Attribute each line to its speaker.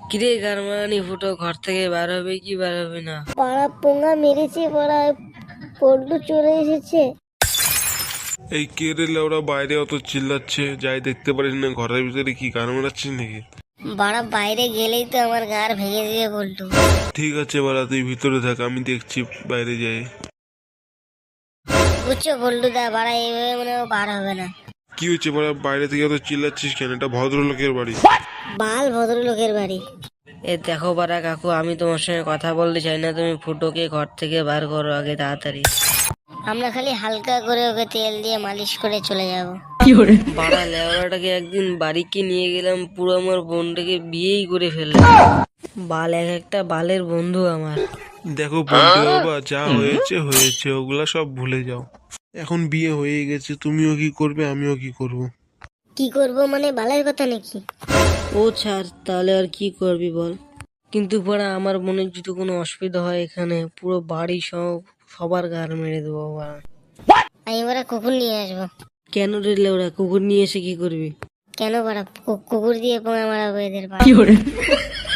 Speaker 1: কিরে গারমানি ফুটো ঘর থেকে বার হবে কি বার হবে না?
Speaker 2: পাড়া পোঙা মেরেছে, পাড়া পল্টু চলে এসেছে।
Speaker 3: এই কে রে লেওরা বাইরে অত চিল্লাচ্ছে, যাই দেখতে পারিস না ঘরের ভিতরে কি গান মারাচ্ছিস নাকি?
Speaker 2: বাড়া বাইরে গেলেই তো আমার গার ভেঙে দিয়ে পল্টু।
Speaker 3: ঠিক আছে বাড়া, তুই ভিতরে থাক, আমি দেখছি বাইরে যাই।
Speaker 2: বুঝছো পল্টু দা, বাড়া এইভাবে মনে হয় বার হবে না।
Speaker 3: কি হচ্ছে বাড়া, বাইরে থেকে অত চিল্লাচ্ছিস কেন? এটা ভদ্রলোকের বাড়ি।
Speaker 2: বাল ভদ্রলোকের বাড়ি।
Speaker 1: এ দেখো বারা কাকু, আমি তোমার সঙ্গে কথা বলতে চাই না, তুমি ফুটোকে ঘর থেকে বার করো আগে তাড়াতাড়ি।
Speaker 2: আমরা খালি হালকা করে ওকে তেল দিয়ে মালিশ করে চলে যাব।
Speaker 1: বাড়া লেওড়াটাকে একদিন বাড়িকে নিয়ে গেলাম, পুরো আমার বোনটাকে বিয়েই করে ফেললাম। বাল এক একটা বালের বন্ধু আমার।
Speaker 3: দেখো বলতে বাবা, যা হয়েছে হয়েছে, ওগুলা সব ভুলে যাও। এখন বিয়ে হয়ে গেছে, তুমিও কি করবে আমিও কি করব।
Speaker 2: কি করব মানে বালের কথা নাকি?
Speaker 1: ও ছাড়, তাহলে আর কি করবি বল। কিন্তু পড়া আমার বোনের যদি কোনো অসুবিধা হয় এখানে পুরো বাড়ি সবার গার মেরে দেবো বাড়া।
Speaker 2: আমি ওরা কুকুর নিয়ে আসবো।
Speaker 1: কেন রে লেওড়া, কুকুর নিয়ে এসে কি করবি?
Speaker 2: কেন বাড়া কুকুর দিয়ে পোঙা মারাবো এদের?